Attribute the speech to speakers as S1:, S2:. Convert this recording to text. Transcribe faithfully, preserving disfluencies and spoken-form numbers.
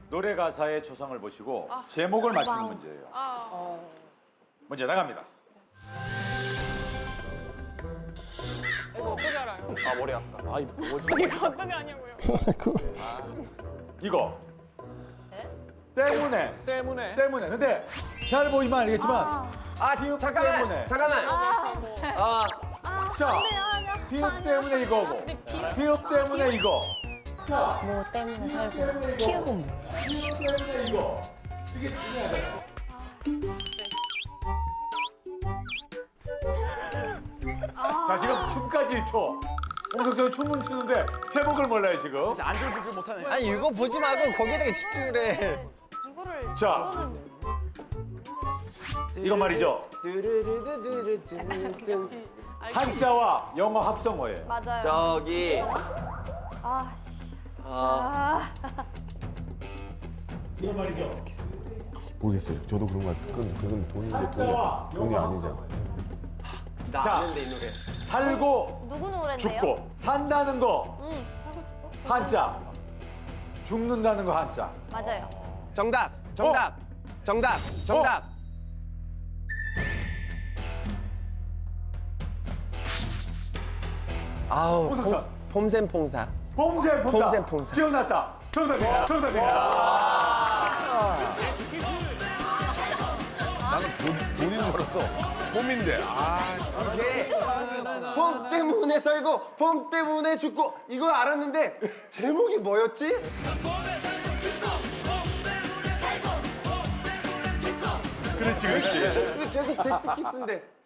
S1: 노래 가사의 초성을 보시고 제목을 맞추는 문제예요. 문제 나갑니다.
S2: 이거 어떻게 알아요?
S3: 아 머리 아프다.
S4: 아이 뭐지?
S2: 이거 어떻게 아냐고요?
S1: 이거 때문에
S3: 때문에.
S1: 때문에 근데 잘 보시면 알겠지만
S3: 아
S1: 비읍
S3: 잠깐만.
S1: 때문에.
S3: 잠깐만. 아
S1: 자 비읍 때문에 이거고 비읍 때문에 이거 자
S5: 뭐 때문에 살고 키우고 뭐.
S1: 비읍 때문에 이거 이게 중요하잖아요. 자 지금 춤까지 춰. 홍석 선수 춤은 추는데 제목을 몰라요 지금.
S3: 진짜 안줄 줄줄 못하네.
S4: 아니 이거 보지 말고 거기에다가 집중을 해.
S5: 이거를
S1: 자.
S5: 이거는
S1: 이거 말이죠.
S3: 두루루두루두루두.
S1: 한자와 영어 합성어예요.
S5: 맞아요.
S3: 저기.
S5: 아,
S3: 아.
S5: 아,
S1: 이거 말이죠.
S6: 모르겠어요. 저도 그런 것 같아요. 그건, 그건 돈인데 돈이,
S1: 한자와
S6: 돈이
S1: 영어
S6: 아니잖아.
S1: 합성어예요.
S3: 나
S1: 자.
S3: 아는데 이 노래.
S1: 살고
S5: 누구 노래인데요?
S1: 죽고 산다는 거
S5: 응.
S1: 한자, 죽는다는 거 한자.
S5: 맞아요.
S4: 정답, 정답, 정답, 정답. 아우,
S1: 홍석천.
S4: 폼- 폼센퐁사.
S1: 봄새 봄사.
S4: 봄새 봄사.
S1: 기억났다. 정답입니다. 정답입니다.
S6: 나는 돈, 돈인 줄 알았어. 봄인데. 아,
S3: 봄 때문에 살고 봄 때문에 죽고 이거 알았는데 제목이 뭐였지?
S1: 그렇지, 그렇지.
S3: 키스 계속 잭스키스인데